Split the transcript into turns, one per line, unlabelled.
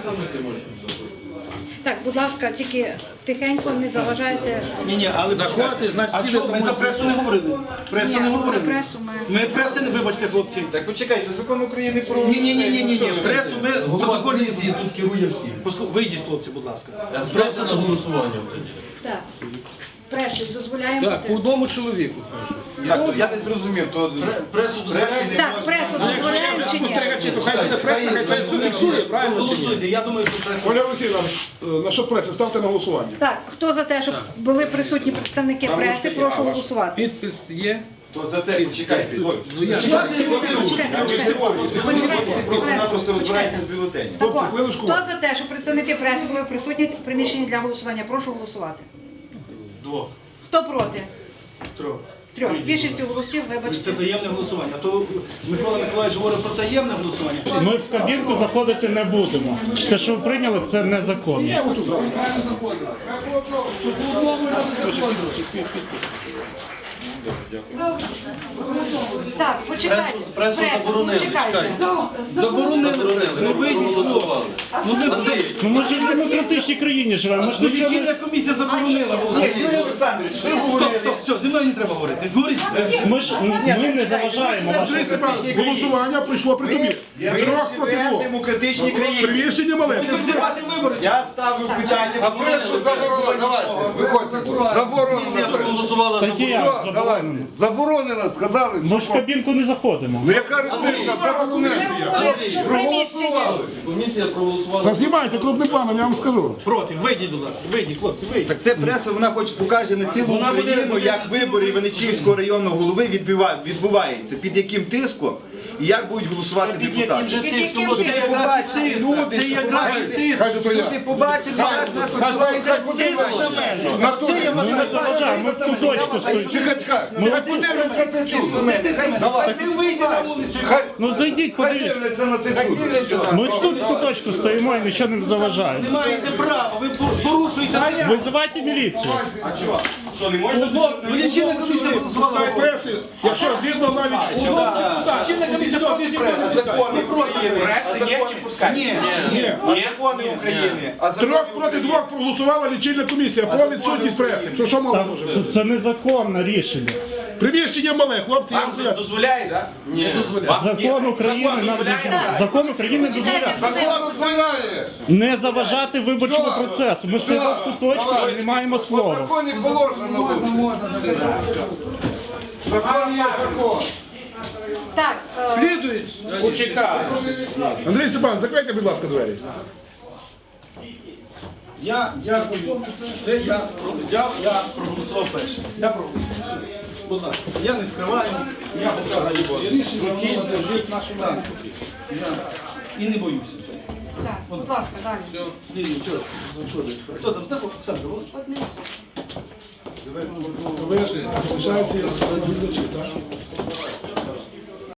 ти можеш зробити.
Так, будь ласка, тільки тихенько, не заважайте.
Ні, але а що, ми за пресу не говорили? Преса не говорили.
Пресу
Ми преси не, вибачте, хлопці.
Так почекайте, закон України про...
Ні, пресу ми в протоколі...
тут керує всім.
Вийдіть, хлопці, будь ласка.
Преса на голосування.
Так. Преси дозволяємо.
Так, по одному чоловіку, прошу.
Я не зрозумів, то...
Пресу дозволяєте?
Так, пресу дозволяємо чи ні?
Спостерігачі, то хай буде преса, хай все фіксує, правильно чи ні?
Голосуйте, я думаю, що преса...
Оля Олексійовна, насчет преси, ставте на голосування.
Так, хто за те, щоб були присутні представники преси, прошу голосувати.
Підпис є.
То за це почекайте.
Ну я
Просто розбирайтеся з бюлетенем.
Так,
Хлопці,
от,
хвилиночку.
хто за те, щоб представники преси були присутні в приміщенні для голосування, прошу голосувати.
Двох.
Хто проти?
Трьох.
Трьох. Більшістю голосів,
Це
вибачте.
таємне голосування. А то Микола Миколаївич говорив про таємне голосування.
Ми в кабінку заходити не будемо. Те, що ви прийняли, це незаконно.
Так, почекайте.
Пресу заборонили,
почекайте.
Заборонили. Ну вийдіть, хлопці. Ну ми
Ну ми ж в демократичній країні живемо. Ми ж нічого
лічильна
не...
комісія заборонила голосування. Юрій Олександрович, ви говорите. Стоп, все, зі мною не треба говорити. Говоріть.
Ми не заважаємо
Андрій
вашому.
Степанович, голосування прийшло при тобі. Трьох проти
в
двох.
демократичній країні.
Приміщення маленьке.
Зірвати вибори.
Я ставив питання.
А прешу заборонено, давайте, виходьте. Заборонено.
Проголосувала
Так і як
Давайте.
заборонено?
Заборонено, сказали.
Ми ж в кабінку не заходимо.
Ну яка різниця? Заборонено.
Що приміщення?
Комісія проголосувала.
Та знімайте крупним планом, я вам скажу.
Проти. Вийдіть, будь ласка. Вийдіть, хлопці, вийдіть.
Так це преса, вона хоч покаже на цілу Україну, як вибори Іваничівського районного голови відбуваються, під яким тиском і як будуть голосувати
Під яким
депутати.
же тиском?
яким
Це
же
якраз і тиск.
Люди,
Це якраз і тиск.
Хай то я.
Люди побачили, як нас відбувається
Тиск на мене.
На
Це я
Ми не
вважаю.
заважаємо, ми в куточку стоїмо.
Чекай, хай подивляться це чудо. Давай.
Ти вийди на вулицю.
Ну зайдіть,
Хай
подивіться.
дивляться на це чудо.
Ми ж тут в куточку стоїмо і нічого не заважаємо.
Не маєте права, ви порушуєте.
Визивайте міліцію.
Що, не можна?
Ну, лічильна комісія проголосувала.
Преси, якщо згідно навіть...
Лічильна комісія проти преси.
Закони України. Преси є чи пускай?
Ні.
Закони України. А
Трьох проти двох проголосувала лічильна комісія про відсутність преси. Що мало може бути?
Це незаконне рішення.
Приміщення мале, хлопці, я вам
Вам
кажу.
дозволяє, так? Ні, дозволяє.
Закон України нам дозволяє. Закон України дозволяє.
Закон дозволяє.
Не заважати виборчому процесу. Ми стоїмо в куточку і не маємо
По
слова.
законі положено буде. Закон є закон.
Так,
Слідують, почекаємо.
Андрій Степанович, закрийте, будь ласка, двері.
Я дякую. Це я взяв, я проголосував перший. Я проголосував. Все. Будь ласка. Я не скриваю. Я показую своє рішення. Воно лежить нашому руки. І не боюся цього.
так, будь ласка, далі.
Слідуй, хто там? Запах Оксана, було?
Ви залишаєте відповідачі, так?